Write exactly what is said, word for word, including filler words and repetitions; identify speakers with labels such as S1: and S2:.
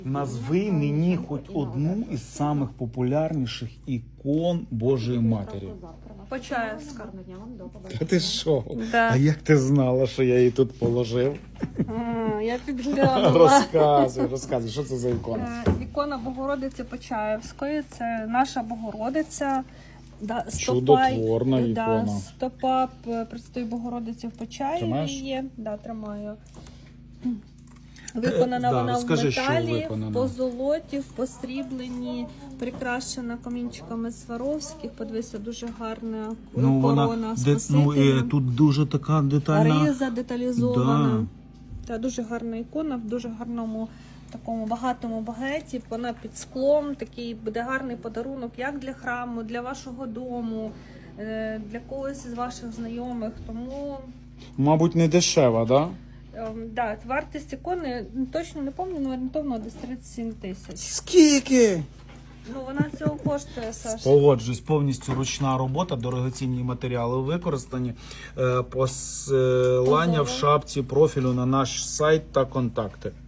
S1: Назви мені хоч одну із самих популярніших ікон Божої Матері.
S2: Почаївська.
S1: Та ти що?
S2: Да.
S1: А як ти знала, що я її тут положив?
S2: А, я підглянула.
S1: Розказуй, розказуй, що це за ікона?
S2: Е, Ікона Богородиці Почаївської, це наша Богородиця. Да,
S1: Чудотворна
S2: да,
S1: ікона.
S2: стопа п- Пресвятої Богородиці в Почаєві
S1: Тримаєш?
S2: є. Да, тримаю. Виконана
S1: Е, да,
S2: вона
S1: розкажи,
S2: в
S1: що
S2: металі,
S1: виконана.
S2: в позолоті, в посрібленні, прикрашена камінчиками Сваровських. Подивися, дуже гарна
S1: Ну,
S2: корона
S1: вона, де, ну,
S2: Спасителя.
S1: е, тут дуже така детальна.
S2: Риза деталізована.
S1: Да.
S2: Та дуже гарна ікона, в дуже гарному такому багатому багеті. Вона під склом. Такий буде гарний подарунок як для храму, для вашого дому, е, для когось із ваших знайомих. Тому
S1: Мабуть, не дешева, да?
S2: ем, да, вартість ікони точно не пам'ятаю, але орієнтовно десь тридцять сім тисяч.
S1: Скільки?
S2: Ну вона цього коштує, Саш.
S1: Погоджуюсь, повністю ручна робота, дорогоцінні матеріали використані. Е, Посилання в шапці профілю на наш сайт та контакти.